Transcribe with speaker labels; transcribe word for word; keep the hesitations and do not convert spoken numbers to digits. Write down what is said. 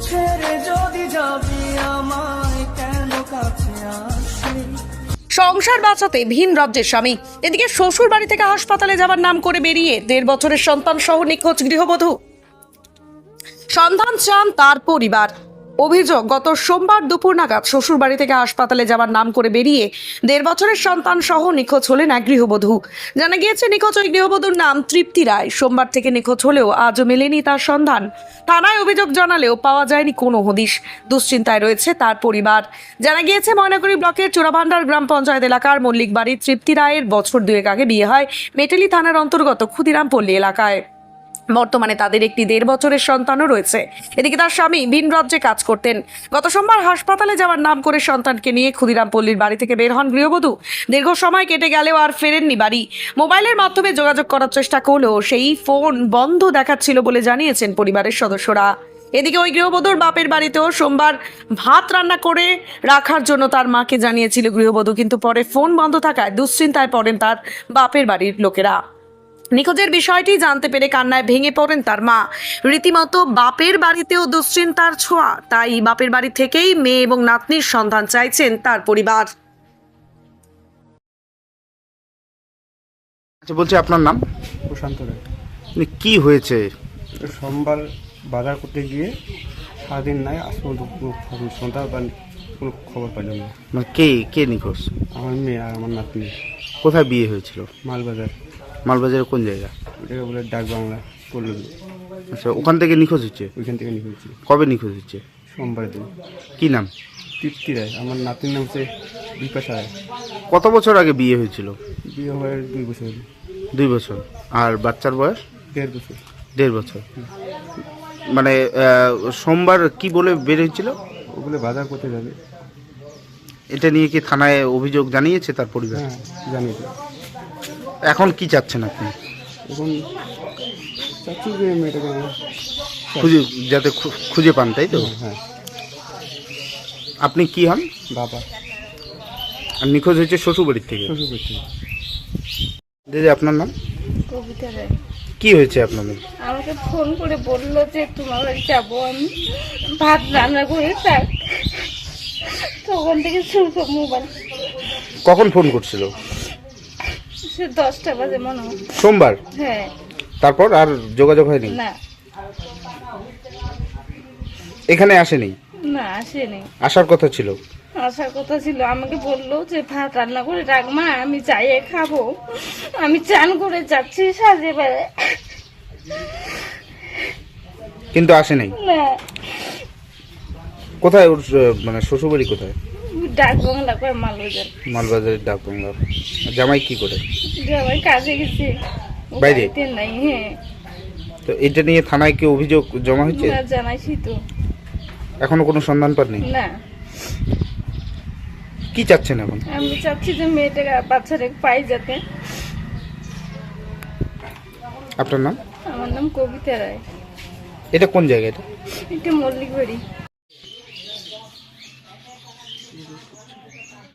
Speaker 1: ছেড়ে যদি যাবি আমায় কেন কাছে আসবি।
Speaker 2: সংসার বাঁচাতে ভিন রাজ্যের স্বামী, এদিকে শ্বশুর বাড়ি থেকে হাসপাতালে যাবার নাম করে বেরিয়ে দেড় বছরের সন্তান সহ নিখোঁজ গৃহবধূ। সন্ধান চান তার পরিবার। অভিযোগ, গত সোমবার দুপুর নাগাদ শ্বশুর বাড়ি থেকে হাসপাতালে যাবার নাম করে বেরিয়ে দেড় বছরের সন্তান সহ নিখোঁজ হলেন এক গৃহবধূ। জানা গিয়েছে নিখোঁজ ওই গৃহবধূর নাম তৃপ্তি রায়। সোমবার থেকে নিখোঁজ হলেও আজও মেলেনি তার সন্ধান। থানায় অভিযোগ জানালেও পাওয়া যায়নি কোনো হদিশ। দুশ্চিন্তায় রয়েছে তার পরিবার। জানা গিয়েছে ময়নাগুড়ি ব্লকের চোরাভান্ডার গ্রাম পঞ্চায়েত এলাকার মল্লিক বাড়ির তৃপ্তি রায়ের বছর দুয়েক আগে বিয়ে হয় মেটেলি থানার অন্তর্গত ক্ষুদিরামপল্লী এলাকায়। বর্তমানে তাদের একটি দেড় বছরের সন্তানও রয়েছে। এদিকে তার স্বামী ভিন রাজ্যে কাজ করতেন। গত সোমবার হাসপাতালে যাওয়ার নাম করে সন্তানকে নিয়ে ক্ষুদিরামপল্লীর বাড়ি থেকে বের হন গৃহবধূ। দীর্ঘ সময় কেটে গেলেও আর ফেরেননি বাড়ি। মোবাইলের মাধ্যমে যোগাযোগ করার চেষ্টা করলেও সেই ফোন বন্ধ দেখাচ্ছিল বলে জানিয়েছেন পরিবারের সদস্যরা। এদিকে ওই গৃহবধূর বাপের বাড়িতেও সোমবার ভাত রান্না করে রাখার জন্য তার মাকে জানিয়েছিল গৃহবধূ, কিন্তু পরে ফোন বন্ধ থাকায় দুশ্চিন্তায় পড়েন তার বাপের বাড়ির লোকেরা। নিখোঁজের বিষয়টি জানতে পেরে কান্নায় ভেঙে পড়েন তার মা। রীতিমতো বাপের বাড়িতেও দুশ্চিন্তার ছোঁয়া, তাই বাপের বাড়ি থেকেই মেয়ে এবং নাতনির সন্ধান চাইছেন তার পরিবার।
Speaker 3: আচ্ছা, বলছি আপনার নাম?
Speaker 4: প্রশান্ত রায়।
Speaker 3: মানে কি হয়েছে?
Speaker 4: সোমবার বাজার করতে গিয়ে সারাদিন নাই, আজ পর্যন্ত কোনো খবর- সন্ধ্যা বা কোনো খবর পাইলাম না।
Speaker 3: মানে কে কে নিখোঁজ?
Speaker 4: আমার মেয়ে আর আমার নাতনি।
Speaker 3: কোথায় বিয়ে হয়েছিল?
Speaker 4: মালবাজার,
Speaker 3: মালবাজারের কোন জায়গা?
Speaker 4: ওটাকে বলে ডাক বাংলা পল্লী।
Speaker 3: আচ্ছা, ওখান থেকে নিখোঁজ হচ্ছে?
Speaker 4: ওইখান থেকে নিখোঁজ।
Speaker 3: কবে নিখোঁজ হচ্ছে?
Speaker 4: সোমবারের দিন।
Speaker 3: কি নাম?
Speaker 4: তৃপ্তি রায়। আমার নাতনির নাম হচ্ছে বিপাশা রায়।
Speaker 3: কত বছর আগে বিয়ে হয়েছিল?
Speaker 4: বিয়ে হওয়ার দুই বছর হলো।
Speaker 3: দুই বছর। আর বাচ্চার বয়স?
Speaker 4: দেড় বছর।
Speaker 3: দেড় বছর। মানে আহ, সোমবার কি বলে বের হয়েছিল?
Speaker 4: ওগুলো বাজার করতে যাবে।
Speaker 3: এটা নিয়ে কি থানায় অভিযোগ জানিয়েছে তার পরিবার?
Speaker 4: হ্যাঁ, জানি তো।
Speaker 3: এখন কি চাচ্ছেন আপনি?
Speaker 4: এখন চাচ্ছি যে মেয়েটাকে আমরা-
Speaker 3: খুঁজে যাতে খু- খুঁজে পান, তাই তো?
Speaker 4: হ্যাঁ,
Speaker 3: আপনি কি হন?
Speaker 4: বাবা
Speaker 3: আর নিখোঁজ হয়েছে শ্বশুরবাড়ির থেকে।
Speaker 4: শ্বশুর করছে।
Speaker 3: দিদি, আপনার নাম?
Speaker 5: কবিতা রায়।
Speaker 3: কি হয়েছে আপনাদের?
Speaker 5: আমাকে ফোন করে বললো যে তোমার বাড়ি যাবো আমি, ভাত রান্না করে থাক। তখন থেকে শুরু মোবাইল।
Speaker 3: কখন ফোন করছিল?
Speaker 5: সে দশটা বাজে মনে হয়।
Speaker 3: সোমবার।
Speaker 5: হ্যাঁ।
Speaker 3: তারপর আর যোগাযোগ হয়নি?
Speaker 5: না
Speaker 3: এখানে আসেনি?
Speaker 5: না আসেনি।
Speaker 3: আসার কথা ছিল?
Speaker 5: আসার কথা ছিল। আমাকে বললো যে ভাত রান্না করে রাখ মা, আমি চাইয়ে খাবো। আমি চান করে যাচ্ছি সাজে বেড়ে।
Speaker 3: কিন্তু আসে নাই?
Speaker 5: না,
Speaker 3: কোথায় ওর আহ, মানে শ্বশুরবাড়ি কোথায়?
Speaker 5: ডাক বাংলা করে মালবাজার।
Speaker 3: মালবাজারের ডাক বাংলা। জামাই কি করে?
Speaker 5: জামাই কাজে গেছে, ও
Speaker 3: বাইরে?
Speaker 5: বাড়িতে নাই। হ্যাঁ।
Speaker 3: তো এটা নিয়ে থানায় কি অভিযোগ জমা হয়েছে?
Speaker 5: না, জানাইছি তো।
Speaker 3: এখনো কোনো সন্ধান পাননি?
Speaker 5: না,
Speaker 3: কি চাচ্ছেন এখন?
Speaker 5: আমি চাচ্ছি যে মেয়েটাকে বাচ্চাটাকে পাই যাতে।
Speaker 3: আপনার নাম?
Speaker 5: আমার নাম কবিতা রায়।
Speaker 3: এটা কোন জায়গা? এটা
Speaker 5: এটা মল্লিক বাড়ি।